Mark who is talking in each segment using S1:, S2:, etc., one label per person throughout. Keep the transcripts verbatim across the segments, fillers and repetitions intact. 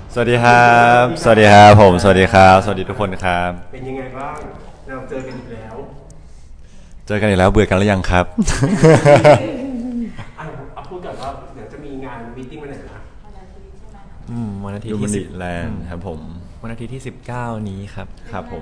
S1: สวัสดีครับสวัสดีครับผมสวัสดีครับสวัสดีทุกคนครับ
S2: เป็นยังไงบ้างเราเจอกันอีกแล้ว
S1: เจอกันอีกแล้วเบื่อกันหรือยังครับ
S2: อ่ะเอาพูดก่อนว่าเดี๋ยวจะมีงานมีตติ้งวันไหนนะ
S3: อืมวันอาทิต
S1: ดู
S3: ย์
S1: มัน
S3: ที่
S1: ดิ
S3: สิบ
S1: แลนด์ครับผม
S3: วันอาทิตย์ที่สิบเก้านี้ครับ
S1: ครับผม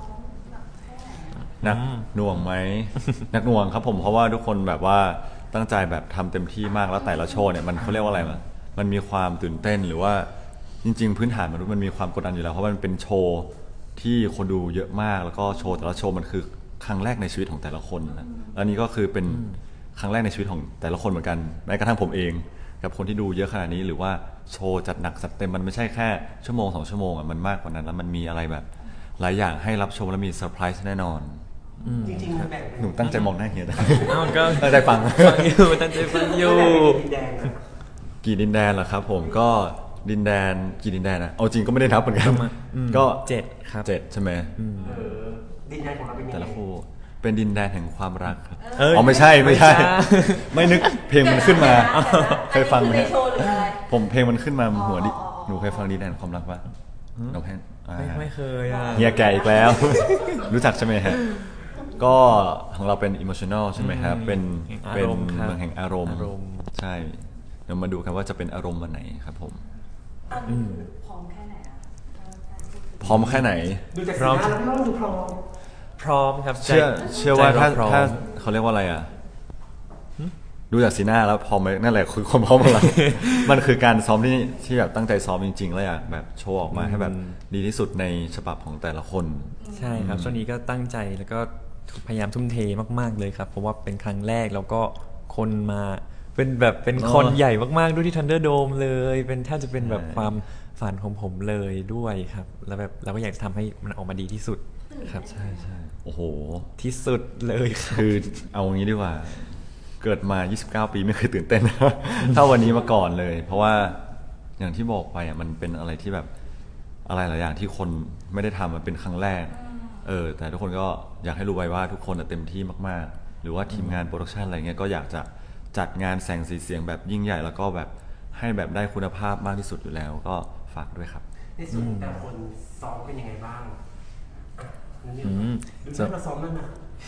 S1: หนักหน่วงไหม หนักหน่วงครับผมเพราะว่าทุกคนแบบว่าตั้งใจแบบทำเต็มที่มากแล้วแต่ละโชว์เนี่ยมันเขาเรียกว่าอะไรมันมันมีความตื่นเต้นหรือว่าจริงๆพื้นฐานมนุษย์มันมีความกดดันอยู่แล้วเพราะมันเป็นโชว์ที่คนดูเยอะมากแล้วก็โชว์แต่ละโชว์มันคือครั้งแรกในชีวิตของแต่ละคนนะอันนี้ก็คือเป็นครั้งแรกในชีวิตของแต่ละคนเหมือนกันแม้กระทั่งผมเองกับคนที่ดูเยอะขนาดนี้หรือว่าโชว์จัดหนักจัดเต็มมันไม่ใช่แค่ชั่วโมงสองชั่วโมงอ่ะมันมากกว่านั้นแล้วมันมีอะไรแบบหลายอย่างให้รับชมและมีเซอร์ไพรส์แน่นอน
S2: จริงๆมันแบ่งเป็น
S1: หนูตั้งใจมองหน้าเฮียนะ
S3: อ้าวก็
S1: ตั้งใจฟัง
S3: ฟังอยู่ตั้งใจฟังอยู่
S2: แบ่งเป็นดินแดงนะ
S1: กี่ดินแดนเหรอครับผมก็ดินแดนกี่ดินแดนนะเอาจริงก็ไม่ได้นับเหมือนกัน
S3: ประมาณอืม
S1: ก็
S3: เจ็ดครับ
S1: เจ็ดใช่ไหม
S2: เออดินแดงของเราเป็นยัง
S1: แต่
S2: ไง
S1: ละคู่เป็นดินแดนแห่งความรักครับ
S3: เอ้ย
S1: อ๋อไม่ใช่ไม่ใช่
S3: ไม่ใช่
S1: ไม่นึกเพลงมันขึ้นมา เคยฟังไหม
S4: ใน
S1: ฮะ
S4: โชว์หรืออะไร
S1: ผมเพลงมันขึ้นมาหัวดิ
S4: อ๋ออ๋ออ๋อ
S1: หนูเคยฟังดินแดนแห่งความรักปะน้องแพนอ่า
S3: ไม่ไม่เคยอ่ะ
S1: เฮียแก่อีกแล้ว รู้จักใช่ไหมฮะก็ของเราเป็นอิ o มชั n a l ใช่ไหมครับเป็น
S3: แห่งอา
S1: เป็น
S3: รมณ์ครับ
S1: เมืองแห่งอารมณ์
S3: อารมณ์
S1: ใช่เดี๋ยวมาดูกันว่าจะเป็นอารมณ์วันไหนครับผม
S4: ตอนนี้พร้อมแค่ไหนอะ
S1: พร้อมแค่ไหน
S2: ดูจากสีหน้าแล้วพี่ว่าดูพร้อม
S3: พร้อมครับใจ
S1: เชื่อเชื่อว่า
S3: ใจร
S1: ถ้า
S3: พร้อม
S1: ถ้าเขาเรียกว่าอะไรอ่ะดูจากสีหน้าแล้วพร้อมไหมนั่นแหละคือความพร้อมของเรา มันคือการซ้อมที่ที่แบบตั้งใจซ้อมจริงๆแล้วอยากแบบโชว์ออกมาให้แบบดีที่สุดในฉบับของแต่ละคน
S3: ใช่ครับช่วงนี้ก็ตั้งใจแล้วก็พยายามทุ่มเทมากๆเลยครับ เพราะว่าเป็นครั้งแรกแล้วก็คนมาเป็นแบบเป็นคอน
S1: อ๋อ
S3: ใหญ่มากๆด้วยที่ Thunderdome เลย เป็นแทบจะเป็นแบบ
S1: ใช่
S3: ความฝันของผมเลยด้วยครับ แล้วแบบเราก็อยากจะทำให้มันออกมาดีที่สุดครับ
S1: ใช่ใช่โอ้โห
S3: ที่สุดเลยครับ
S1: คือเอางี้ดีกว่า เกิดมา ยี่สิบเก้า ปีไม่เคยตื่นเต้น เท่าวันนี้มาก่อนเลย เพราะว่าอย่างที่บอกไปอ่ะมันเป็นอะไรที่แบบอะไรหลายอย่างที่คนไม่ได้ทำมันเป็นครั้งแรก เออ แต่ทุกคนก็อยากให้รู้ไว้ว่าทุกคนอะเต็มที่มากๆ หรือว่าทีมงานโปรดักชันอะไรเงี้ยก็อยากจะจัดงานแสงสีเสียงแบบยิ่งใหญ่แล้วก็แบบให้แบบได้คุณภาพมากที่สุดอยู่แล้ว ก็ฝากด้วยครับ
S2: ในส่วนของแต่ละคนซ้อมเป็นยังไงบ้างอ่ะนั่นนี่
S3: อืม
S2: ดูที่เราซ้อมนั่นนะ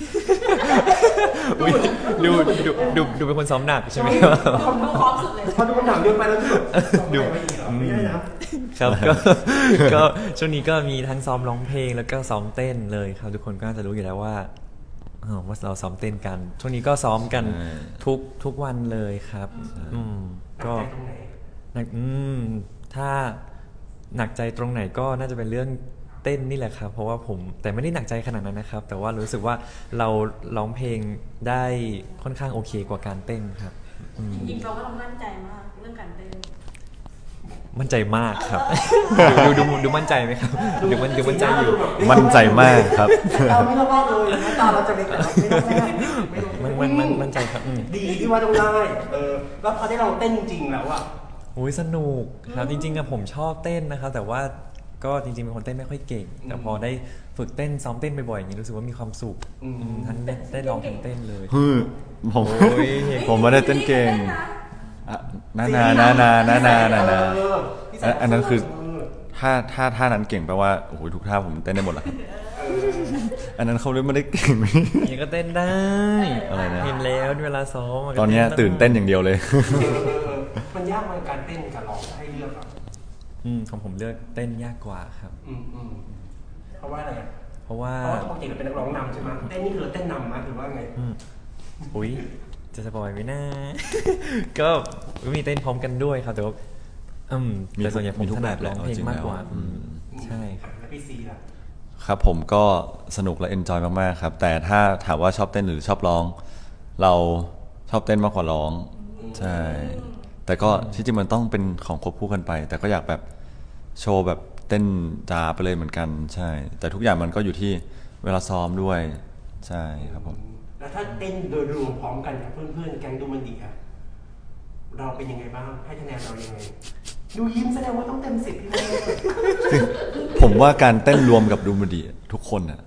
S3: อุ๊ยดูดูดูดูเป็นคนซ้อมหนักใช่ไหมครับ
S4: ผมดูพร้อมสุดเลย
S2: พอดูคำถามเยอะไปแล้วดูแบบซ้อมไม่ไหวอีกเหรอไม่ได้นะ
S3: ครับก็ก็ช่วงนี้ก็มีทั้งซ้อมร้องเพลงแล้วก็ซ้อมเต้นเลยครับทุกคนก็น่าจะรู้อยู่แล้วว่าเออว่าเราซ้อมเต้นกัน ช่วงนี้ก็ซ้อมกัน
S1: ใช่
S3: ทุกทุกวันเลยครับอืมก็
S2: หนัใจตรงไหน
S3: หนักอืมถ้าหนักใจตรงไหนก็น่าจะเป็นเรื่องเต้นนี่แหละครับ เพราะว่าผมแต่ไม่ได้หนักใจขนาดนั้นนะครับ แต่ว่ารู้สึกว่าเราร้องเพลงได้ค่อนข้างโอเคกว่าการเต้นครับอืม
S4: จริงๆเราก็ต้องมั่นใจมากเรื่องการเต้น
S3: มั่นใจมากครับ ดูดูดูดูมั่นใจไหมครับดูมันดูมั่นใจอยู่
S1: มั่นใจมากครับ
S2: เราไม่ต้องรอดเลยหน้าตาเราจะเล็กแต่เราไม่ต้องแรกไม่ต้อง
S3: มันมันมันมั่นใจครับอืม
S2: ดีที่ว่าต้องได้เออแล้วพอได้ลองเต้นจริงๆแล้วอะ
S3: โอ้ยสนุกครับจริงๆอะผมชอบเต้นนะครับ แต่ว่าก็จริงๆเป็นคนเต้นไม่ค่อยเก่ง แต่พอได้ฝึกเต้นซ้อมเต้นบ่อยๆอย่างนี้รู้สึกว่ามีความสุขอืมทั้งได้ได้ลองทั้งเต้นเลย
S1: ฮึมผม
S3: โอ้ย
S1: ผมไม่ได้เต้นเก่งอ่ะนานานานานานานานา
S2: เออพี่สาว
S1: อันนั้นคือ
S2: เออ
S1: ถ้าถ้าท่านั้นเก่งแปลว่าโอ้โหทุกท่าผมเต้นได้หมดแล้วครับอันนั้นเขาเรียกไม่ได้เก่ง
S3: ยังก็เต้นได้
S1: อะไรนะ
S3: เห็นแล้วเวลาซ้อมก็
S1: ตอนเนี้ยตื่นเต้นอย่างเดียวเลย
S2: เออมันยากไหมการเต้นกับร้องให้เลือกอะ
S3: อืมของผมเลือกเต้นยากกว่าครับ
S2: อืมอืมเพราะว่าอะไรอะ
S3: เพราะว่า
S2: เพราะว่าปกติเราเป็นนักร้องนำใช่ไหมเต้นนี่คือเราเต้นนำมั้ยหรือว่าไง
S3: อืมอุ้ยจะสปอยไหมนะ ก็มีเต้นพร้อมกันด้วยครับแต่ว่าอืม
S1: มี
S3: แต่
S1: ทุก
S3: ส่วนใหญ่ผ
S1: มี
S3: ม
S1: ทุก
S3: ถนัด
S1: แบบแห
S3: ร้
S1: ละ
S3: องเพลง
S1: เอาจริง
S3: มากกว่า
S1: แล้วอืม
S3: ใช่ครับ
S2: แล้วพี่ซีล่ะ
S1: ครับผมก็สนุกและเอนจอยมากๆครับ แต่ถ้าถามว่าชอบเต้นหรือชอบร้อง เราชอบเต้นมากกว่าร้อง ใช่ แต่ก็ที่จริงมันต้องเป็นของควบคู่กันไป แต่ก็อยากแบบโชว์แบบเต้นจาไปเลยเหมือนกัน ใช่ แต่ทุกอย่างมันก็อยู่ที่เวลาซ้อมด้วย ใช่ครับผม
S2: แล้วถ้าเต้นโดยรวมพร้อมกันกับเพื่อนๆแก๊งดูมันดีอะเราเป็นยังไงบ้างให้คะแนนเรายังไงดูยิ้มแสดงว่าต้องเต็มสิบพี่เลย
S1: ผมว่าการเต้นรวมกับดูมันดีทุกคนอ่ะ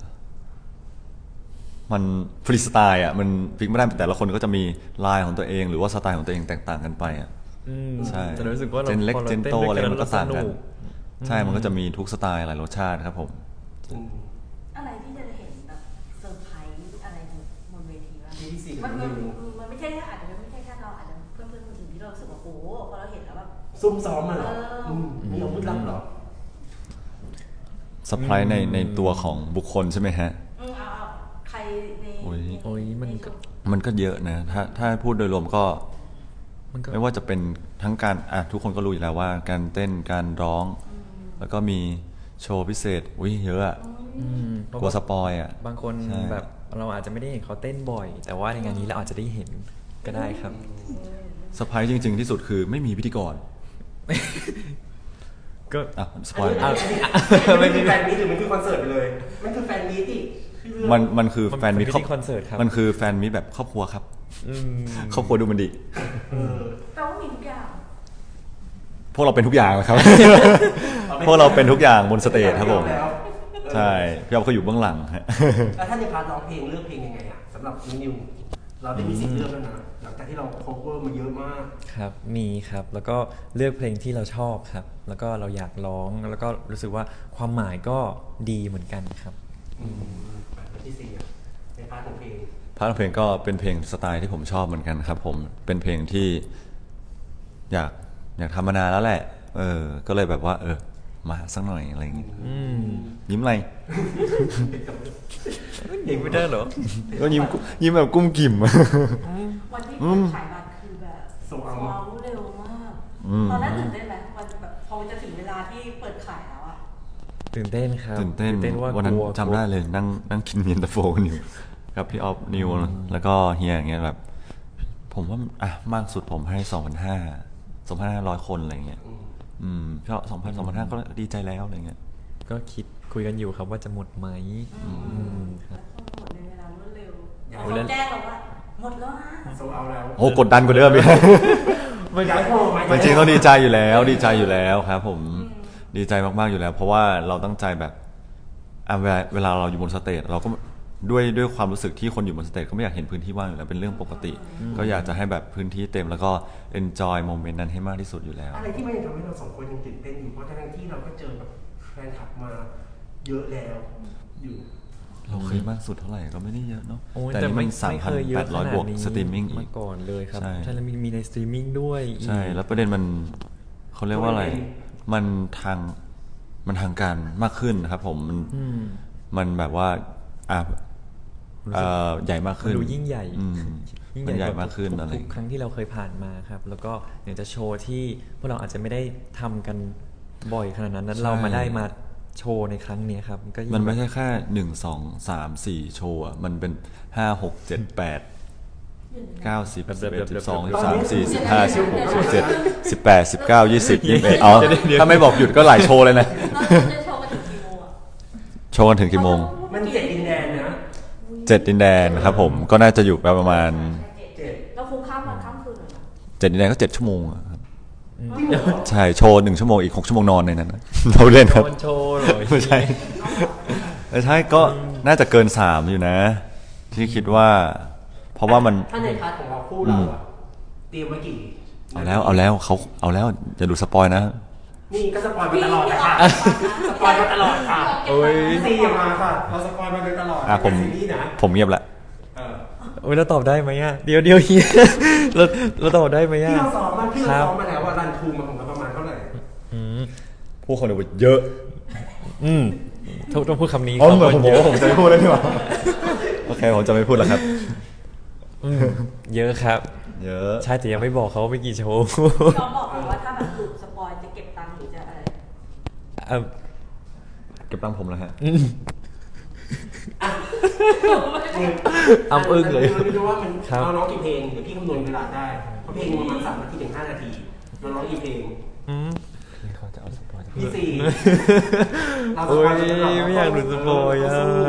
S1: มันฟรีสไตล์อ่ะมันฟิกไม่ได้แต่ละคนก็จะมีลายของตัวเอง หรือว่าสไตล์ของตัวเองแตกต่างกันไปอ่ะ
S3: อืม
S1: ใช่
S3: จะรู้สึกว่าเรา
S1: เจนเล็ก
S3: พอรา
S1: เจนโต
S3: ต้
S1: อะไร
S3: ด้วย
S1: มันก็ต่างกัน
S3: เรส
S1: ใช่มันก็จะมีทุกสไตล์หลายรสชาติครับผม
S2: อืม
S4: อะไรที่จะเห็นแบบเซอร์ไพรส์อะไรบนเวทีบ้าง
S2: ที่ที่สี่
S4: มัน
S2: กั
S4: มั
S2: บ
S4: น
S2: นิว
S4: มันไม่ใช่แค่อาจจะไม่ใช่แค่เราอาจจะเพื่อนเพื่อนคนอื่นที่เรารู้สึกว่าโอ้โหพอเราเห็นแล้วแบบ
S2: ซุ่มซ้อมมาเหรอ
S4: เอออื
S2: มมีอาวุธลับเหรอ
S1: สปายในในตัวของบุคคลใช่ไหมฮะ
S4: อืมเอาเอาใครใน
S1: โอ้ย
S4: ใน
S3: โอ้ยมัน
S4: ใน
S3: ก็
S1: มันก็เยอะนะ ถ้าถ้าพูดโดยรวมก็
S3: มันก็
S1: ไม่ว่าจะเป็นทั้งการอ่ะทุกคนก็รู้อยู่แล้วว่า การเต้นการร้อง แล้วก็มีโชว์พิเศษอุ้ยเยอะอะ
S3: อืมเพราะ
S1: กลัว
S3: ว่า
S1: สปอยอ่ะ
S3: บางคน
S1: ใช่
S3: แบบเราอาจจะไม่ได้เห็นเขาเต้นบ่อย แต่ว่าในงานนี้เราอาจจะได้เห็นก็ได้ครับ
S1: สปายจริง ๆ ที่สุดคือไม่มีพิธีกร
S3: ก็
S1: อ่ะสปอย
S2: อันนี้อันนี้มันคือแฟนมีตหรือมันคือคอนเสิร์ตไปเลย มันคือแฟนมีตที่ที่เรื่อง
S1: มันมันคือ
S3: มัน
S1: แฟนมิต
S3: เป็นพิธีคอนเสิร์ตครับ
S1: มันคือแฟนมิตแบบครอบครัวครับ
S3: อืม
S1: ครอบครัวดูมันดี
S2: เออ
S4: แปลว่ามีทุกอย่าง
S1: พวกเราเป็นทุกอย่างนะครับ พวกเราเป็นทุกอย่างบนสเตจครับผม
S2: แล้ว
S1: ใช่พี่อ๊อฟเขาอยู่เบื้องหลังฮะ
S2: แล้วถ้าในพาร์ทร้องเพลงเลือกเพลงยังไงอะสำหรับนิวเราได้มีสิทธิ์เลือกแล้วนะหลังจากที่เรา cover มาเยอะมาก
S3: ครับมีครับแล้วก็เลือกเพลงที่เราชอบครับ แล้วก็เราอยากร้องแล้วก็รู้สึกว่าความหมายก็ดีเหมือนกันครับ
S2: อืมไปที่สี่อะในพาร์ทของเพลง
S1: พาร์ทเพลงก็เป็นเพลงสไตล์ที่ผมชอบเหมือนกันครับผมเป็นเพลงที่อยากอยากทำมานานแล้วแหละ เออ ก็เลยแบบว่า เออ มาสักหน่อยอะไรอย่างงี้
S3: อืม
S1: ยิ้มอะไร
S3: ยิงไม่ได้เหรอ
S1: ก็ยิ้มยิ้มแบบกุ้มกิ่ม
S4: วันที่
S1: อืม
S4: ขายบัตรคือแบบ
S2: ส่งเอา
S4: ว้าวเร็วมาก
S1: อืม
S4: ตอนนั้นตื่นเต้นไหมวันแบบพอมันจะถึงเวลาที่เปิดขายแล้วอะ
S3: ตื่นเต้นครับ
S1: ตื่นเต้น
S3: ว่า
S1: วันนั้น
S3: กลัว
S1: จำได้เลยนั่งนั่งกินเย็นตาโฟกันอยู่กับพี่ออฟนิวแล้วก็เฮียอย่างเงี้ยแบบ ผมว่าอ่ะมากสุดผมให้สองพันห้าสองพันห้าร้อยคนอะไรเงี้ย อืมก็สองพันสองพันห้าก็ดีใจแล้วอะไรเงี้ย
S3: ก็คิดคุยกันอยู่ครับว่าจะหมดไหมอืมครับ
S4: หมดในเวลารวดเร็ว
S2: อยาก
S4: เขาแจ้งเราว่าหมดแล้วนะ
S2: ส่งเอาแล้ว
S1: โอ้กดดันกว่าเดิมอีก
S2: อยากให้โทรมา
S1: จริงๆต้องดีใจอยู่แล้วดีใจอยู่แล้วครับผมดีใจมากๆอยู่แล้ว เพราะว่าเราตั้งใจแบบอ่ะเวลาเวลาเราอยู่บนสเตจเราก็ด้วยด้วยความรู้สึกที่คนอยู่บนสเตจก็ไม่อยากเห็นพื้นที่ว่างอยู่แล้วเป็นเรื่องปกติ ก็อยากจะให้แบบพื้นที่เต็มแล้วก็ enjoy โมเมนต์นั้นให้มากที่สุดอยู่แล้ว
S2: อะไรที่มันยังทำให้เราสองคนยังตื่นเต้นอยู่เพราะทั้งที่เราก็เจอแบบแฟนคลับมาเยอะแล้วอยู่
S1: เราเคยมากสุดเท่าไหร่ก็ไม่ได้เยอะเนาะ
S3: โอ้ย
S1: แต่
S3: แต่
S1: นี่
S3: ไม่
S1: มันสาม
S3: ไม่
S1: พัน
S3: เคยเย
S1: แป
S3: อะ
S1: ด
S3: ข
S1: ร้อย
S3: นา
S1: บว
S3: ด
S1: ก
S3: นี้
S1: สตรีมมิ่งอี
S3: มาก ก่อนเลยครับ
S1: ใช่
S3: ใช่แล้วมีมีในสตรีมมิ่งด้วย
S1: ใช่แล้วประเด็นมันเขาเรียกว่าอะไร มันทางมันทางการมากขึ้นนะครับผมมัน
S3: อืม
S1: มันแบบว่าอ่ะเอ่อใหญ่มากขึ้น
S3: มันดูยิ่งใหญ่
S1: อืม
S3: ยิ่ง
S1: มันใหญ่
S3: กว่
S1: มากขึ้น
S3: ทุก
S1: อะไร
S3: ทุกครั้งที่เราเคยผ่านมาครับ แล้วก็อยากจะโชว์ที่พวกเราอาจจะไม่ได้ทำกันบ่อยขนาดนั้นนั้น
S1: ใช่
S3: เรามาได้มาโชว์ในครั้งนี้ครับก็ยิ่ง
S1: มันไม่ใช่แค่หนึ่งสองสามสี่โชว์อะมันเป็นห้าหกเจ็ดแปดเก้าสิบสิบเอ็ดสิบสองสิบสามสี่สิบห้าสิบหกสิบเจ็ดสิบแปดสิบเก้ายี่สิบยี่สิบเอ็ดอ๋อถ้าไม่บอกหยุดก็หลายโชว์เลยนะ
S4: เราจะโชว์กันถึงกี่โมงอะ
S1: โชว์กันถึงกี่โมง
S2: มันเจ็ดดินแดนนะ
S1: เจ็ดดินแดนครับผมก็น่าจะอยู่ประมาณ
S2: เจ็ด
S4: เราคุ้มข้ามวันข้ามคืนเลยนะ
S1: เจ็ดดินแดนก็เจ็ดชั่วโมงอะครับ
S2: จริงเหรอ
S1: ใช่โชว์หนึ่งชั่วโมงอีกหกชั่วโมงนอนในนั้นนะ เราเล่นครับ
S3: โดนโชว์เหรอ
S1: ไม่ใช่ไม่ใช่ก็น่าจะเกินสามอยู่นะ ที่คิดว่า เพราะว่ามัน
S2: ถ้าในพาร์ทของเราคู่เราอะเตรียมไว้กี่
S1: เอาแล้วเอาแล้วเขาเอาแล้วอย่าดูสปอยนะ
S2: นี่ก็สปอยมาตลอดเลยค่ะสปอยมาตลอดค่ะ
S3: โอ้ย
S2: ซีอย่ามาค่ะเราสปอยมาโดยตลอด
S1: อ่ะผม
S2: ซีรีส์นะ
S1: ผมเงียบละ
S2: เออ
S3: โอ้ยเราตอบได้ไหมอ่ะเดี๋ยวเดี๋ยวเฮีย เราเราตอบได้ไหม
S2: ที่
S3: อ่ะ
S2: เราซ้อมมาที่
S3: ค
S2: เรา
S3: รับ
S2: ซ้อมมาแล้วว่ารันทูมาของเราประมาณเท่าไหร่
S3: อืม
S1: ผู้คนดูเยอะ
S3: อืมต้องต้องพูดคำนี้
S1: อ๋อ
S3: ครับ
S1: เหมือนผม
S3: เยอะ
S1: ผมจะไม่พูดแล้วนี่หว่าโอเคผมจะไม่พูดแล้วครับ
S3: อืมเยอะครับ
S1: เยอะ
S3: ใช่แต่ยังไม่บอกเขาว่าไปกี่โชว์
S4: เราบอกเลยว่าถ้าแบบถูกสปอยจะเก็บตังค์หรือจะอะไร
S3: เอ่อ
S1: เก็บตังค์ผมแล้วฮะ
S3: อืม อ้ำอึ้งเลย
S2: เราไม่รู้ว่ามัน
S3: ครับ
S2: เราร้องกี่เพลงเดี๋ยวพี่คำนวณเวลาได้เพราะเพลงมันประมาณสามนาทีถึงห้านาทีเราร้องกี่เพลง
S3: อืม
S1: เขาจะเอาสปอย
S2: มีสี่เราส
S3: โอ้
S2: ป
S3: ย
S2: อยจนตลอด
S3: ไม่อยากดูสปอยอ่ะ
S2: เสู้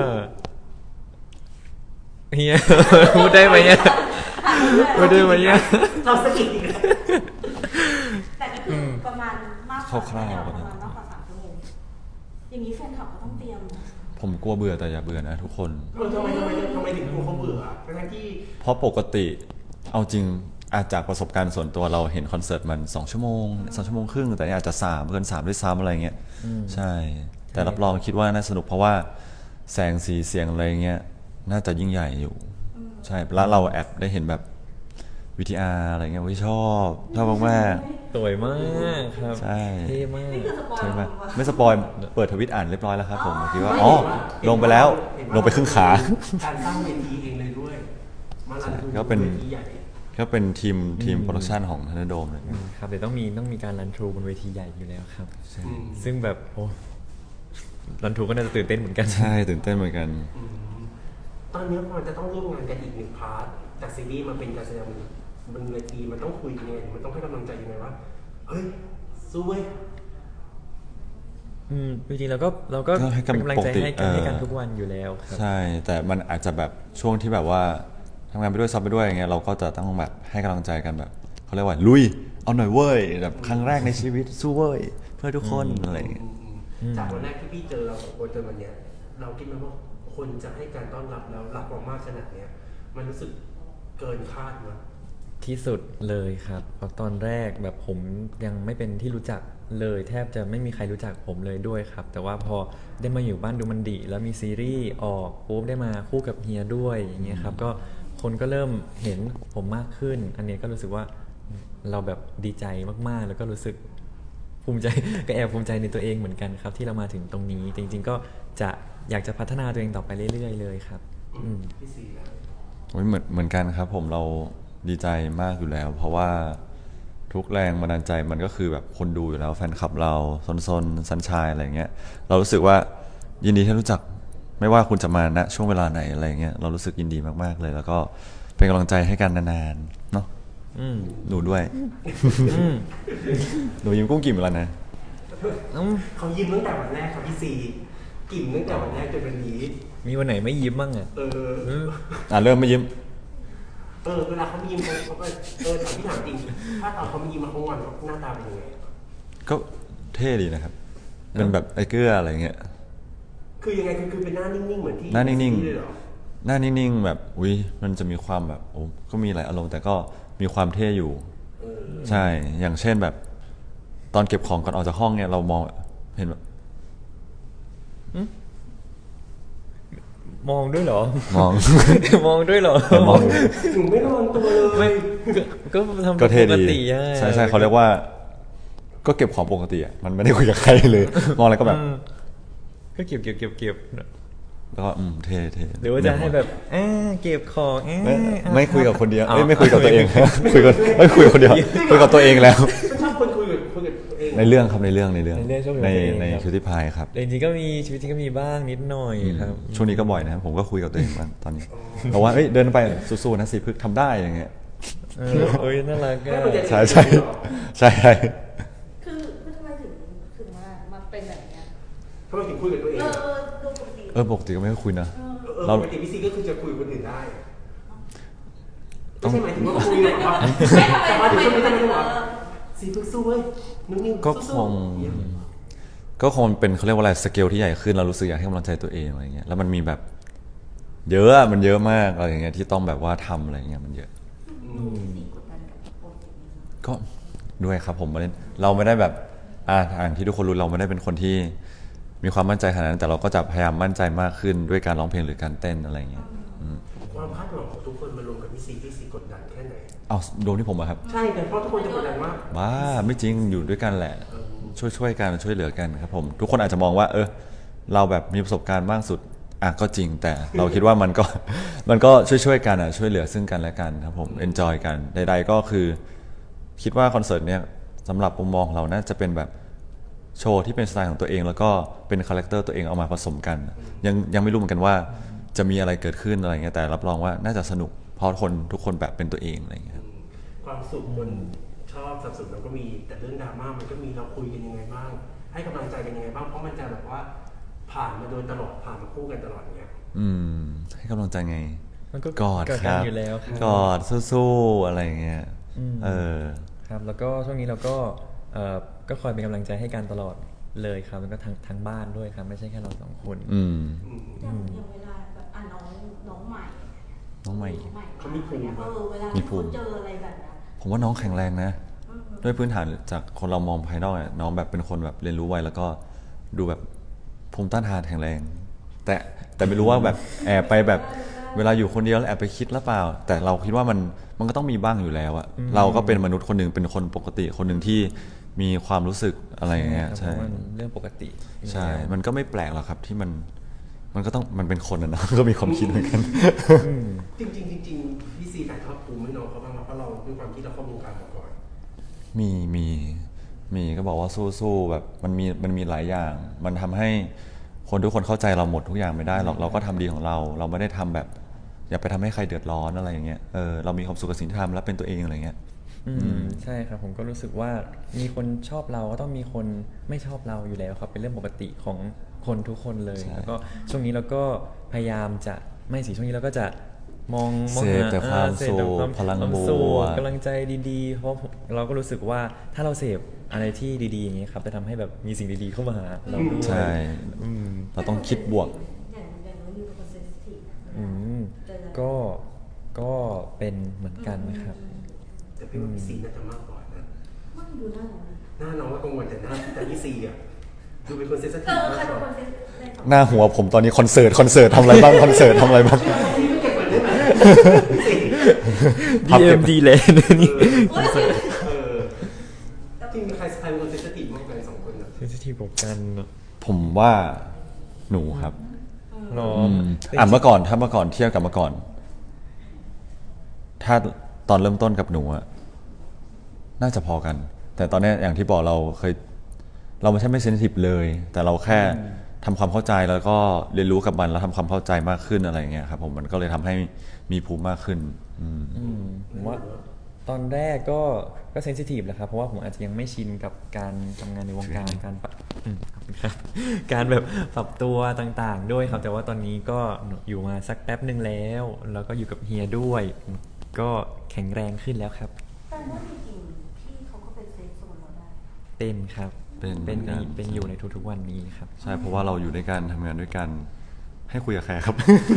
S3: เฮีย พูดได้ไหมเนี่ยพูดได้ไหมเนี่ย
S2: เราสะกิดอีกแล้ว
S4: แต่ก็คือประมาณมากกว่า
S1: คร่าวๆ
S4: ป
S1: ก็
S4: ระ
S1: ได้
S4: มาณมากกว่าสามชั่วโมงอย่างนี้แฟนคลับก็ต้องเตรียม
S1: ผมกลัวเบื่อแต่อย่าเบื่อนะทุกคน
S2: เออทำไมทำไมทำไมถึงกลัวเขาเบื่อทั้งที่
S1: เพราะปกติเอาจริงอาจจากประสบการณ์ส่วนตัวเราเห็นคอนเสิร์ตมันสองชั่วโมงสองชั่วโมงครึ่งแต่นี่อาจจะสามเกินสามด้วยซ้ำอะไรเงี้ยใช่ แต่รับรองคิดว่าน่าสนุกเพราะว่าแสงสีเสียงอะไรเงี้ยน่าจะยิ่งใหญ่อยู่ใช่แล้วเราแอบได้เห็นแบบ วี ที อาร์ อะไรเงี้ยวิชอบชอบมาก
S3: สวยมากครับ
S1: ใช่
S3: เท่มาก
S4: นี่คือสปอย
S1: ๆใช่ไหม
S4: ล์
S1: ไม่สปอยเปิดทวิตอ่านเรียบร้อยแล้วครับผมคิดว่าอ๋อลงไปแล้วลงไปครึ่งขา
S2: การสร้างเวทีเองเลยด้วยมาลันทู
S1: ก็เป็น
S2: เวทีใหญ่
S1: ก็เป็นทีมทีมโปรดักชันของทันเดอร์โดมเลย
S3: ครับเดี๋ยวต้องมีต้องมีการรันทรูบนเวทีใหญ่อยู่แล้วครับ
S2: อืม
S3: ซึ่งแบบโอ้รันทรูก็น่าจะตื่นเต้นเหมือนกัน
S1: ใช่ตื่นเต้นเหมือนกัน
S2: อืมตอนนี้มันจะต้องร่วมงานกันอีกหนึ่งพาร์ทจากซีรีส์มาเป็นการแสดงบนเวทีมันต้องคุยกันยังไงมันต้องให้กำลังใจยังไงว่าเฮ้ยสู้เว้ย
S3: อืมจริงๆเราก็เราก็
S1: ก็ให้กำ
S3: เป็นกำลังใจ
S1: ปกติ
S3: ให้กันให้กัน
S1: เออ
S3: ทุกวันอยู่แล้วครับ
S1: ใช่แต่มันอาจจะแบบช่วงที่แบบว่าทำงานไปด้วยซับไปด้วยอย่างเงี้ยเราก็จะต้องแบบให้กำลังใจกันแบบเขาเรียกว่าลุยเอาหน่อยเว้ยแบบครั้งแรกในชีวิตสู้เว้ยเพื่อทุกคนอะไรอย่างเงี้ย
S2: อืมจากวันแรกที่พี่เจอเราสองคนจนวันเนี้ยเราคิดไหมว่าคนจะให้การต้อนรับแล้วรักเรามากขนาดเนี้ยมันรู้สึกเกินคาดมั้ย
S3: ที่สุดเลยครับเพราะตอนแรกแบบผมยังไม่เป็นที่รู้จักเลยแทบจะไม่มีใครรู้จักผมเลยด้วยครับ แต่ว่าพอได้มาอยู่บ้านดูมันดีแล้วมีซีรีส์ออกปุ๊บได้มาคู่กับเฮียด้วยอย่างเงี้ยครับก็คนก็เริ่มเห็นผมมากขึ้น อันนี้ก็รู้สึกว่าเราแบบดีใจมากๆ แล้วก็รู้สึกภูมิใจ ก็แอบภูมิใจในตัวเองเหมือนกันครับ ที่เรามาถึงตรงนี้ จริง ๆ ก็จะอยากจะพัฒนาตัวเองต่อไปเรื่อยๆเลยครับอืม
S2: พี่ซีนะ
S1: โอ้ยเหมือนเหมือนกันครับผมเราดีใจมากอยู่แล้ว เพราะว่าทุกแรงบันดาลใจมันก็คือแบบคนดูอยู่แล้วแฟนคลับเราซนๆสันชายอะไรเงี้ยเรารู้สึกว่ายินดีที่รู้จักไม่ว่าคุณจะมาณช่วงเวลาไหนอะไรเงี้ยเรารู้สึกยินดีมากๆเลย แล้วก็เป็นกำลังใจให้กันนานๆเนาะ
S3: อืม
S1: หนูด้วย
S3: อืม
S1: หนูยิ้มกุ้งกิ่มแล้วนะ
S3: อืม
S2: เขายิ้มตั้งแต่วันแรกครับพี่ซีกิ่มตั้งแต่วันแรกจนวันนี้
S3: มีวันไหนไม่ยิ้มบ้างอ่ะ
S2: เออ
S3: อืม
S1: อ่ะเริ่มไม่ยิ้ม
S2: เออเวลาเขายิ้มเขาเขาก็เออถามพี่ถามจริงถ้าตอนเขาไม่ยิ้มมาเขางอนเขาหน้าตาเป็นยังไง
S1: ก็เท่ดีนะครับ เป็นแบบไอ้เกลืออะไรเงี้ย
S2: คือยังไงคือคือเป็นหน้านิ่งๆเหมือนที่
S1: หน้านิ่ง
S2: เลยเหรอ
S1: ๆ หน้านิ่งๆ แบบ อุ้ยมันจะมีความแบบโอ้ก็มีหลายอารมณ์แต่ก็มีความเท่อยู่
S2: เออ
S1: ใช่ อย่างเช่นแบบ ตอนเก็บของก่อนออกจากห้องเนี่ยเรามองเห็นแบบ
S3: มองด้วยเหรอ
S1: มอง
S3: มองด้วยเหรอ
S1: มอง
S2: หนูไม่ระวังตัวเลย
S3: ไม่ก็ก็ทำ
S1: ก็เท่
S3: ปก
S1: ดี
S3: ติอะ
S1: ใช่ใช่เขาเรียกว่า ก็เก็บของปกติอ่ะ มันไม่ได้คุยกับใครเลย มองอะไรก็แบบ
S3: อืมก็เก็บเก็บเก็บเก็บ
S1: แล้วก็อืมเท่เท่
S3: หรือว่าจะให้แบบเอ้เก็บของเอ้
S1: ไม่
S3: อ่ะ
S1: ไม่คุยกับคนเดียว
S3: อ๋อ
S1: เอ้ยไม่คุยกับตัวเอง คุยกับไม่คุยกับคนเดียว คุยกับตัวเองแล้ว
S2: ไม่ชอบคนคุยกับคุยกับตัวเอง
S1: ในเรื่องครับในเรื่องในเรื่อง
S3: ในเรื่องชอบคุย
S1: ใน
S3: กับตัวเอง
S1: ใน
S3: ครับ
S1: คิวตี้พายครับ
S3: แต่จริงๆก็มีชีวิตจริงก็มีบ้างนิดหน่อยครับ
S1: ช่วงนี้ก็บ่อยนะครับผมก็คุยกับตัวเองบ้างตอนนี้บอกว่าเอ้ยเดินไปสู้ๆนะสิพึกทำได้อย่างเงี้ย
S3: เออโอ้ยน่ารัก
S2: แม่
S3: อะ
S2: มันจะ
S1: ใช่ใช่ใช่ใช่
S4: คือคือทำไมถึงถึงมามาเป็นแบบเนี้ย
S2: ทำไมถึงคุยกับตัวเอง
S4: เอ
S2: อะ
S4: อดูปกติ
S1: เออปกติก็ไม่ค่อยคุยนะ
S2: เออ
S1: เรา
S2: ปกติพี่ซีก็คือจะคุยกับคนอื่นได้ไม่ใช่หมายถึงว่าคุยแบบว่า
S4: ไม่ทำไม
S2: แต่มาถึง
S4: ทำไม
S2: ช่วงนี้ทำไม
S4: ทำไม
S2: ถึง
S4: เอ
S2: ว่า
S4: อ
S2: ซีพึกสู้เว้ยนิ่งๆ
S1: ก็
S2: สู้
S1: คง
S2: ๆ
S1: ก็คงเป็นเขาเรียกว่าอะไรสเกลที่ใหญ่ขึ้นเรารู้สึกอยากให้กำลังใจตัวเองอะไรเงี้ยแล้วมันมีแบบ เยอะอะมันเยอะมากอะไรอย่างเงี้ยที่ต้องแบบว่าทำอะไรเงี้ยมันเยอะ
S4: สีกดดันกับโปรเจกต์นี้เนอะ
S1: ก็ด้วยครับผมมาเล่นเราไม่ได้แบบอ่าทางที่ทุกคนรู้เราไม่ได้เป็นคนที่มีความมั่นใจขนาดนั้นแต่เราก็จะพยายามมั่นใจมากขึ้นด้วยการร้องเพลงหรือการเต้นอะไรเงี้ยอืม
S2: ความคาดหวังของทุกคนมารวมกับพี่ซีพี่ซีกดดันแค่ไหน
S1: เอาโดนที่ผมอะครับ
S2: ใช่แต่เพราะทุกคนจะกดดันว่า
S1: บ้าไม่จริงอยู่ด้วยกันแหละ ช่วยช่วยกันช่วยเหลือกันครับผมทุกคนอาจจะมองว่า เออ เราแบบมีประสบการณ์มากสุดอ่ะก็จริง แต่เราคิดว่ามันก็ มันก็ช่วยช่วยกันอ่ะช่วยเหลือซึ่งกันและกันครับผมเอนจอยกันใดๆก็คือ คิดว่าคอนเสิร์ตเนี้ยสำหรับมุมมองเราน่าจะเป็นแบบโชว์ที่เป็นสไตล์ของตัวเอง แล้วก็เป็นคาแรคเตอร์ตัวเองเอามาผสมกัน ยังยังไม่รู้เหมือนกันว่าจะมีอะไรเกิดขึ้นอะไรเงี้ยแต่รับรองว่าน่าจะสนุกเพราะคนทุกคนแบบเป็นตัวเองอะไรเงี้ยครับ
S2: ความสุขคนชอบสนับสนุนเราก็มีแต่เรื่องดราม่ามันก็มีเราคุยกันยังไงบ้าง ให้กำลังใจกันยังไงบ้างเพราะมันจะแบบว่าผ่านมาโดยตลอดผ่านมาคู่กันตลอดอย่างเงี้ย
S1: อืมให้กำลังใจไง
S3: มันก็
S1: กอด
S3: กอด
S1: ค
S3: กัน
S1: รับ
S3: อยู่แล้วครับ
S1: กอดสู้ๆอะไรเงี้ย
S3: อืม
S1: เออ
S3: ครับแล้วก็ช่วงนี้เราก็เอ่อก็คอยเป็นกำลังใจให้กันตลอดเลยครับแล้วก็ทั้งทั้งบ้านด้วยครับไม่ใช่แค่เราสองคน
S1: อืม
S4: อย่างอย่างเวลาแบบอ่ะน้องน้องใหม่
S1: น้องใหม่
S4: ใหม่
S2: เขามีภูมิ
S4: เออเวลา
S1: มี
S4: ที่
S1: ภู
S4: เขา
S1: มิ
S4: เจออะไรแบบเนี้ย
S1: ผมว่าน้องแข็งแรงนะ ด้วยพื้นฐานจากคนเรามองภายนอกเนี่ยน้องแบบเป็นคนแบบเรียนรู้ไวแล้วก็ดูแบบภูมิต้านทานแข็งแรง แต่แต่ไม่รู้ว่าแบบแอบไปแบบเวลาอยู่คนเดียวแล้วแอบไปคิดหรือเปล่า แต่เราคิดว่ามันมันก็ต้องมีบ้างอยู่แล้วอะเราก็เป็นมนุษย์คนหนึ่งเป็นคนปกติคนหนึ่งที่มีความรู้สึกอะไรอย่างเงี้ย
S3: ครับ
S1: ใช่
S3: ผมว่ามันเรื่องปกติ
S1: ใช่ มันก็ไม่แปลกหรอกครับที่มันมันก็ต้องมันเป็นคนอะเนาะ ก็มีความคิดเหมือนกัน
S2: จริงๆจริงๆพี่ซีถ่ายทอดภูมิให้น้องเขาบ้างครับเพราะเราด้วยความที่เราเข้าวงการมาก่อน
S1: มีมีมีก็บอกว่าสู้ๆแบบมันมีมันมีหลายอย่าง มันทำให้คนทุกคนเข้าใจเราหมดทุกอย่างไม่ได้หรอกเราก็ทำดีของเรา เราไม่ได้ทำแบบ อย่าไปทำให้ใครเดือดร้อนอะไรอย่างเงี้ยเออเรามีความสุขกับสิ่งที่ทำแล้วเป็นตัวเองอะไรเงี้ย
S3: อืมใช่ครับผมก็รู้สึกว่ามีคนชอบเราก็ต้องมีคนไม่ชอบเราอยู่แล้วครับเป็นเรื่องปกติของคนทุกคนเลย
S1: ใช่
S3: แล้วก็ช่วงนี้เราก็พยายามจะไม่สิช่วงนี้เราก็จะมองมอง
S1: เสพแต่ความ
S3: เออเสพแต่
S1: สุขพลัง
S3: ความ
S1: บวก
S3: สุขกำลังใจดีๆ เพราะเราก็รู้สึกว่าถ้าเราเสพอะไรที่ดีๆอย่างนี้ยครับจะทำให้แบบมีสิ่งดีๆเข้ามาหาเราด้วย
S1: ใช่
S3: อืม
S1: เราต้องคิดบวก
S4: อย่างอย่างน้อยอยู่เป็นคนเซนซิทีฟ
S3: อืม
S4: เจออะไร
S3: ก็ก็เป็นเหมือนกันนะครับ
S2: แต่พี่ว่าพี่ซีน่าจะมากกว่านะ
S4: ไม่ดูหน้าหนูนะ
S2: หน้าน้องก็กังวลแต่หน้าแต่พี่ซีอ่ะดูเป็นคนเซนซิ
S4: เอ
S2: ทีฟ
S4: อ
S2: มา
S4: ใคร
S2: กก
S4: เป็น
S2: ว่า
S4: คนเซนในสอง
S1: หน้าหัวผมตอนนี้คอนเสิร์ตคอนเสิร์ตทำอะไรบ้างคอนเสิร์ตทำอะไรบ้าง
S2: พี่ไม่เก็บเหมือนได้ไหมพี่ซี
S1: พับเก็บ
S3: ดี เอ็ม ดี เลยนี่
S2: เออเออจริงๆใครใครเป็นคนเซนซิทีฟมากกว่ากันสองคนอ่ะ
S3: เซนซิทีฟกว่ากันเนอะ
S1: ผมว่าหนูครับ
S3: หรอ
S1: อืมอ่ะเมื่อก่อนถ้าเมื่อก่อนเทียบกับเมื่อก่อน ถ้าตอนเริ่มต้นกับหนูอะน่าจะพอกัน แต่ตอนเนี้ยอย่างที่บอกเราเคย เราไม่ใช่ไม่เซนซิทีฟเลย แต่เราแค่ทำความเข้าใจแล้วก็เรียนรู้กับมันแล้วทำความเข้าใจมากขึ้นอะไรอย่างเงี้ยครับผมมันก็เลยทำให้มีภูมิมากขึ้น อืม
S3: อืมผมว่าตอนแรกก็ก็เซนซิทีฟแหละครับเพราะว่าผมอาจจะยังไม่ชินกับการทำงานในวงการการปรับอืมขอบคุณครับ การแบบปรับตัวต่างๆ ด้วยครับ แต่ว่าตอนนี้ก็อยู่มาสักแป๊บหนึ่งแล้ว แล้วก็อยู่กับเฮียด้วย ก็แข็งแรงขึ้นแล้วครับ
S4: แต่ว่าจริงๆพี่เขาก็เป็นเซฟโซนเราได้
S3: เป็นครับ
S1: เป็น
S3: เป็น
S1: เหมือนกัน
S3: เป็นอยู่ในทุกๆวันนี้ครับ
S1: ใช่เพราะว่าเราอยู่ด้วยกันทำงานด้วยกัน ให้คุยกับใครครับ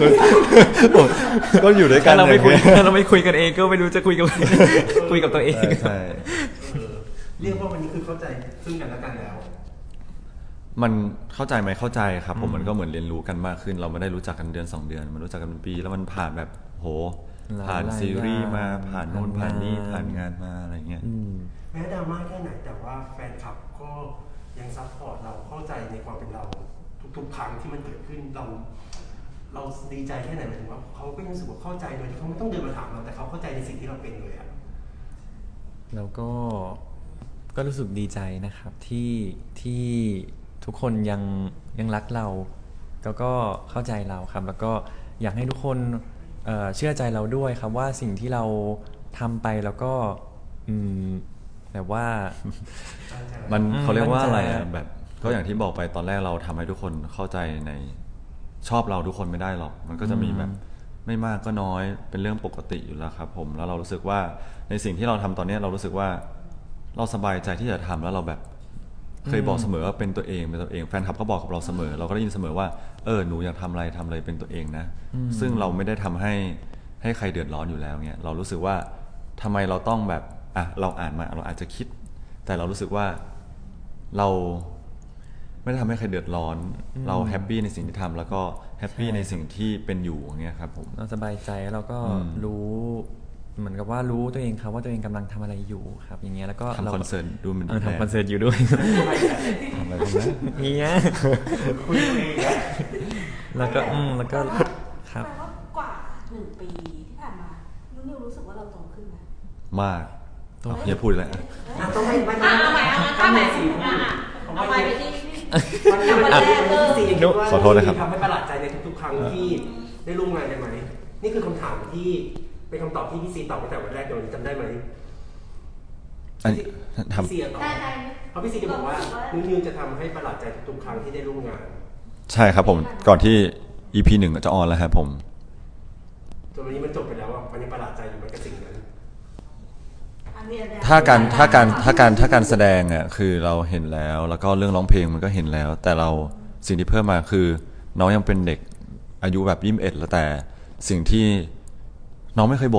S1: ก็อยู่ด้วยกัน
S3: ถ้าเราไม่คุย
S1: องงี้
S3: ถ้าเราไม่คุยกันเองก็ไม่รู้จะคุยกับ คุยกับตัวเอง
S1: ใช่ใช่
S2: เออเรียกว่าวันนี้คือเข้าใจซึ่งกันและกันแล้ว
S1: มันเข้าใจไหมเข้าใจครับผมมันก็เหมือนเรียนรู้กันมากขึ้น เราไม่ได้รู้จักกันเดือนสองเดือน มันรู้จักกันเป็นปี แล้วมันผ่านแบบโห
S3: หลาย
S1: ผ่าน
S3: หลาย
S1: ซีรีส์มา
S3: อย่าง
S1: ผ่านโน่นผ่านนี่
S3: ผ่านงาน
S1: ผ่านงานมาอะไรเงี้ย
S3: อืม
S2: แม้ดราม่าแค่ไหนแต่ว่าแฟนคลับก็ยังซัพพอร์ตเราเข้าใจในความเป็นเรา ทุกๆครั้งที่มันเกิดขึ้นเรา เราดีใจแค่ไหนหมายถึงว่าเขาก็ยังรู้สึกว่าเข้าใจโดยที่เขาไม่ต้องเดินมาถามเราแต่เขาเข้าใจในสิ่งที่เราเป็นเลยอะ
S3: แล้วก็ก็รู้สึกดีใจนะครับที่ที่ทุกคนยังยังรักเรา แล้วก็เข้าใจเราครับ แล้วก็อยากให้ทุกคนเอ่อเชื่อใจเราด้วยครับว่าสิ่งที่เราทำไปแล้วก็อืมแบบว่า
S1: มัน
S3: อืม
S1: เขาเรียกว่าอะไร
S3: มั่นใจ
S1: อะแบบ ก็อย่างที่บอกไปตอนแรกเราทำให้ทุกคนเข้าใจในชอบเราทุกคนไม่ได้หรอก มันก็จะมีแบบไม่มากก็น้อยเป็นเรื่องปกติอยู่แล้วครับ ผมแล้วเรารู้สึกว่าในสิ่งที่เราทำตอนเนี้ยเรารู้สึกว่าเราสบายใจที่จะทำแล้วเราแบบ เคยบอกเสมอว่าเป็นตัวเองเป็นตัวเองแฟนคลับก็บอกกับเราเสมอ เราก็ได้ยินเสมอว่าเออหนูอยากทำอะไรทำอะไรเป็นตัวเองนะ ซึ่งเราไม่ได้ทำให้ให้ใครเดือดร้อนอยู่แล้วเนี่ยเรารู้สึกว่าทำไมเราต้องแบบอ่ะเราอ่านมาเราอาจจะคิด แต่เรารู้สึกว่าเราไม่ได้ทำให้ใครเดือดร้อน เราแฮปปี้ในสิ่งที่ทำแล้วก็แฮปปี้ในสิ่งที่เป็นอยู่อย่างเงี้ยครับผม
S3: เราสบายใจแล้วเราก็
S1: อืม
S3: รู้เหมือนกับว่ารู้ตัวเองครับว่าตัวเองกำลังทำอะไรอยู่ครับ อย่างเงี้ยแล้วก็า
S1: ทำคอนเสิร์ตดูมัน
S3: เออ
S1: ดีแล
S3: ทำคอนเสิร์ตอยู่ด้วย
S1: ทำอะไรบ้างนะ
S3: เงี้ย
S2: คุยตัวเองอะ
S3: แล้วก็อืมแล้วก็ครับ
S4: แปลว่ากว่าหนึ่งปีที่ผ่านมานิวนิวรู้สึกว่าเราโตขึ้นไหม
S1: มากอ้าวอย่าพูดเลย
S2: อ่ะต้องให้ไม่ต้
S4: อ่ะ
S2: อง
S4: เอาใหม่เอาใหม่
S2: ต้
S4: เอา
S2: อง
S4: ใหม่
S2: ให้สีพูด
S4: อ่ะ
S2: เพราะ
S4: เอา
S2: ว่า
S4: ไปไปที่
S2: วันนี้วันนี้วันนี้สีคิดว่า
S1: ขอโทษนะครับ
S2: ทำให้ประหลาดใจในทุกๆ ครั้งที่ได้ร่วมงานกันไหมนี่คือคำถามที่เป็นคำตอบที่พี่ซีตอบตั้งแต่วันแรกเดี๋ยวนี้จำได้ไหม
S1: อันทำ
S2: พี่ซีอะตอบ
S4: ได้ได้
S2: เพราะพี่ซีจะบอกว่านิวนิวจะทำให้ประหลาดใจทุกๆ ครั้งที่ได้ร่วมงาน
S1: ใช่ครับผมก่อนที่ อี พี หนึ่งจะออนแล้วครับผม
S2: จนวันนี้มันจบไปแล้วอ่ะมันยังประหลาดใจอยู่ไหมกับสิ่งนั้น
S4: อันนี้อันนี้
S1: ถ้าการถ้าการถ้าการถ้าการแสดงอ่ะคือเราเห็นแล้ว แล้วก็เรื่องร้องเพลงมันก็เห็นแล้ว แต่เราสิ่งที่เพิ่มมาคือ น้องยังเป็นเด็กอายุแบบยี่สิบเอ็ดแล้วแต่สิ่งที่น้องไม่เคยบ่นอ่ะ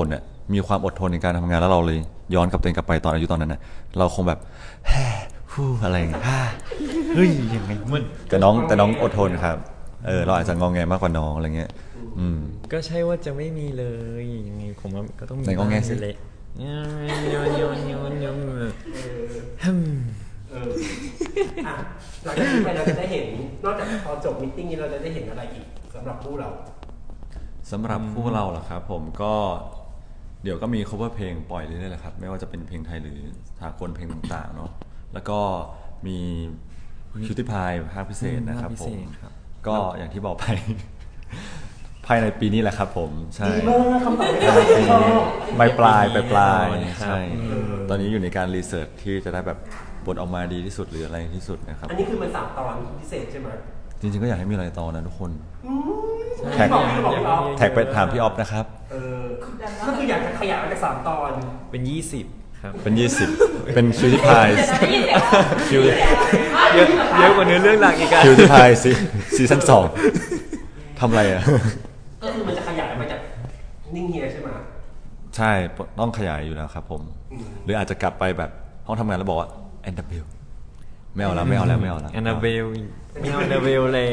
S1: มีความอดทนในการทำงานแล้วเราเลยย้อนกลับตัวเองกลับไปตอนอายุตอนนั้นนะเราคงแบบแฮ่ฮู้อะไรอย่างเงี้ยฮ่าเฮ้ยยังไงมันแต่น้องแต่น้องอดทนครับเออเราอาจจะงองแงมากกว่าน้องอะไรเงี้ยอืม
S3: ก็ใช่ว่าจะไม่มีเลยยังไงผมว่าก็ต้องมี
S1: ไหนงอแงสิ
S3: บ้าอยู่แหละยอนยอนยอนยอน
S2: เออเอออ่ะหลังจากนี้ไปเราจะได้เห็นนอกจากพอจบมิทติ้งนี้เราจะได้เห็นอะไรอีกสำหรับผู้เรา
S1: สำหรับคู่เราเหรอครับผมก็เดี๋ยวก็มี cover เพลงปล่อยเรื่อยๆแหละครับไม่ว่าจะเป็นเพลงไทยหรือสากลเพลงต่างๆเนาะแล้วก็มีคิวตี้พายภาคพิเศษนะครับผม
S3: ครับ
S1: ก็อย่างที่บอกไป ภายในปีนี้แหละครับผมใช่
S2: ดีมากคำตอบไม่ได้
S1: ปีนี้ปลายปลายปลายปลาย
S3: ครับ
S1: ใช่ ตอนนี้อยู่ในการรีเสิร์ชที่จะได้แบบบทออกมาดีที่สุดหรืออะไรที่สุดนะครับ
S2: อันนี้คือมันสามตอนพิเศษใช่ไหม
S1: จริงๆก็อยากให้มีอะไรต่อนะทุกคน
S2: แท็กบอกพี่บอกพี่ออฟ
S1: แท็กไปถามพี่ออฟนะครับ
S2: เออก็คืออยากจะขยายมาจากสามตอน
S3: เป็นยี่สิบครับ
S1: เป็นยี่สิบเป็นคิวตี้พาย คิว
S3: เยอะเยอะกว่าเนื้อเรื่องหลักอีกอะ
S1: คิวตี้พายซีซีซั่นสองทำอะไรอ่ะ
S2: ก็คือมันจะขยายมาจากนิ่งเฮียใช่ไหม
S1: ใช่ต้องขยายอยู่แล้วครับผม
S2: อืม
S1: หรืออาจจะกลับไปแบบห้องทำงานแล้วบอกว่าแอนนาเบลไม่เอาแล้วไม่เอาแล้วไม่เอาแล้ว
S3: แอนนาเบลไม่เอาแอนนาเบลแล้ว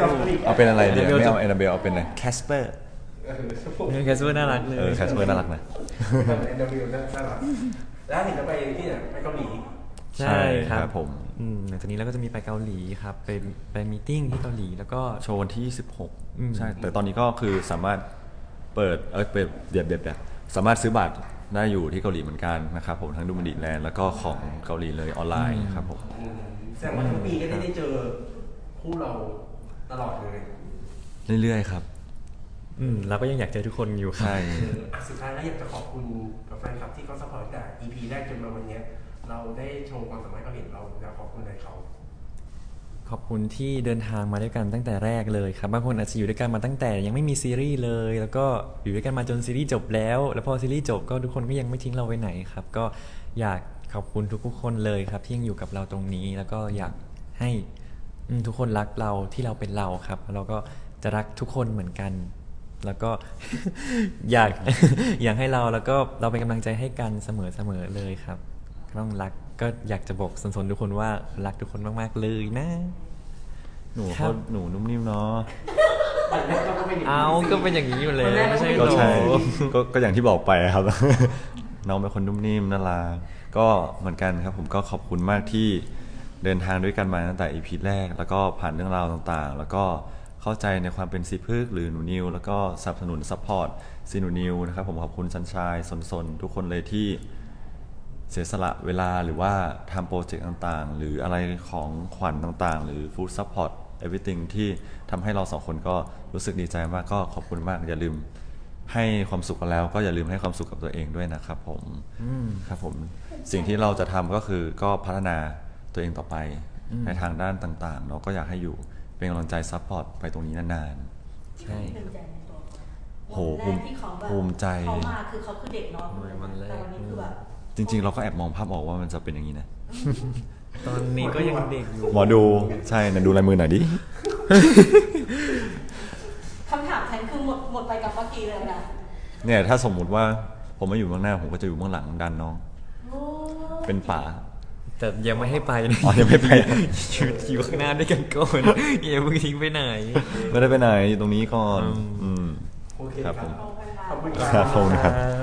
S1: เอาเป็นอะไรเดี๋ยว
S3: Annabelle
S1: ไม่เอาแอนนาเบลเอาเป็นอะไรแคสเปอร์
S2: เออครับผม
S3: แคสเปอร์น่ารักเลย
S1: เออแคสเปอร์น่ารักนะ
S2: แอนดวิวน่ารักแล้วเห็นจะไปที่ไหนไปเกาหลี
S3: ใช่ค
S1: ค
S3: รั
S1: รั
S3: บบ
S1: ผม
S3: อืมหลังจากนี้เราก็จะมีไปเกาหลีครับไปไปมีตติ้งที่เกาหลีแล้วก็
S1: โชว์วันที่ยี่สิบหก
S3: อืม
S1: ใช่ แต่ตอนนี้ก็คือสามารถเปิดเออเปิดเดียบเดียบเดียบสามารถซื้อบัตรได้อยู่ที่เกาหลีเหมือนกันนะครับผมทั้งดูมันดีแลนด์แล้วก็ของเกาหลีเลยออนไลน์ครับผม
S2: อืมแสดงว่าทั้งปีก็ได้ได้เจอคู่เราตลอดเลย
S1: เรื่อยๆครับ
S3: อืมเราก็ยังอยากเจอทุกคนอยู่ครับ
S1: ใช่
S2: เอออ่ะสุดท้ายแล้วอยากจะขอบคุณกับแฟนคลับที่เขาสปอร์ตแต่ อี พี แรกจนมาวันเนี้ยเราได้โชว์ความสามารถเขาเห็นเราอยากขอบคุณอะไรเขา
S3: ขอบคุณที่เดินทางมาด้วยกันตั้งแต่แรกเลยครับบางคนอาจจะอยู่ด้วยกันมาตั้งแต่ยังไม่มีซีรีส์เลย แล้วก็อยู่ด้วยกันมาจนซีรีส์จบแล้ว แล้วพอซีรีส์จบก็ทุกคนก็ยังไม่ทิ้งเราไปไหนครับก็อยากขอบคุณทุกๆคนเลยครับที่ยังอยู่กับเราตรงนี้ แล้วก็อยากให้อืมทุกคนรักเราที่เราเป็นเราครับแล้วเราก็จะรักทุกคนเหมือนกัน แล้วก็ อยาก อยากให้เราแล้วก็เราเป็นกำลังใจให้กันเสมอๆเลยครับต้องรักก็อยากจะบอกสนๆทุกคนว่ารักทุกคนมากๆเลยนะ
S1: หนู
S3: ครั
S1: เขา
S3: บ
S1: หนูนุ่มนิ่มเนาะ
S2: วันแรกเราก็ไม่ได้
S3: เอาก็เป็นอย่างนี้อยู่แล้วไม่ใช่
S1: ก็
S3: หรอ
S1: ใช่ก็ก็อย่างที่บอกไปครับ น้องเป็นคนนุ่มนิ่มน่ารักก็เหมือนกันครับผมก็ขอบคุณมากที่เดินทางด้วยกันมาตั้งแต่ อี พี แรก แล้วก็ผ่านเรื่องราวต่างๆ แล้วก็เข้าใจในความเป็นซีพึกษ์หรือหนูนิว แล้วก็สนับสนุนซัพพอร์ตซีหนูนิวนะครับผมขอบคุณชันชายสนๆทุกคนเลยที่เสียสละเวลาหรือว่าทำโปรเจกต์ต่างๆ หรืออะไรของขวัญต่างๆ หรือฟู้ดซัพพอร์ต everything ที่ทำให้เราสองคนก็รู้สึกดีใจมากก็ขอบคุณมากอย่าลืมให้ความสุขกันแล้ว ก็อย่าลืมให้ความสุขกับตัวเองด้วยนะครับผมครับผมสิ่งที่เราจะทำก็คือก็พัฒนาตัวเองต่อไปในทางด้านต่างๆ เราก็อยากให้อยู่เป็นกำลังใจซัพพอร์ตไปตรงนี้นาน
S3: ใช่
S4: ภูมิใจในตัวเขา
S1: โห
S4: วันแรกที่เขาแบบ
S1: ภูมิใจ
S4: เขามาคือเขาคือเด็กน้อยคนนึง
S3: วันแรก
S4: แต่วันนี้คือแบบ
S1: ๆ จริง ๆ เราก็แอบมองภาพออกว่ามันจะเป็นอย่างนี้นะ
S3: ตอนนี้ก็ยังเด็กอยู่
S1: หมอดูใช่นะดูลายมือหน่อยดิ
S4: คำถามฉันคือหมดหมดไปกับเมื่อกี้เลยนะ
S1: เนี่ยถ้าสมมุติว่าผมมาอยู่เบื้องหน้าผมก็จะอยู่เบื้องหลังดันน้อง
S4: โอ้
S1: เป็นป่า
S3: แต่ยังไม่ให้ไปนะ
S1: อ๋อยังไม่ไป
S3: อยู่อยู่ข้างหน้าด้วยกันก่อนอย่าเพิ่งทิ้งไปไหน
S1: ไม่ได้ไปไหนอยู่ตรงนี้ก่อน
S3: อืม
S1: อืม
S2: โอเค
S1: ครับผม
S2: ขอบคุณ
S1: ครับผมครับ
S3: ครับ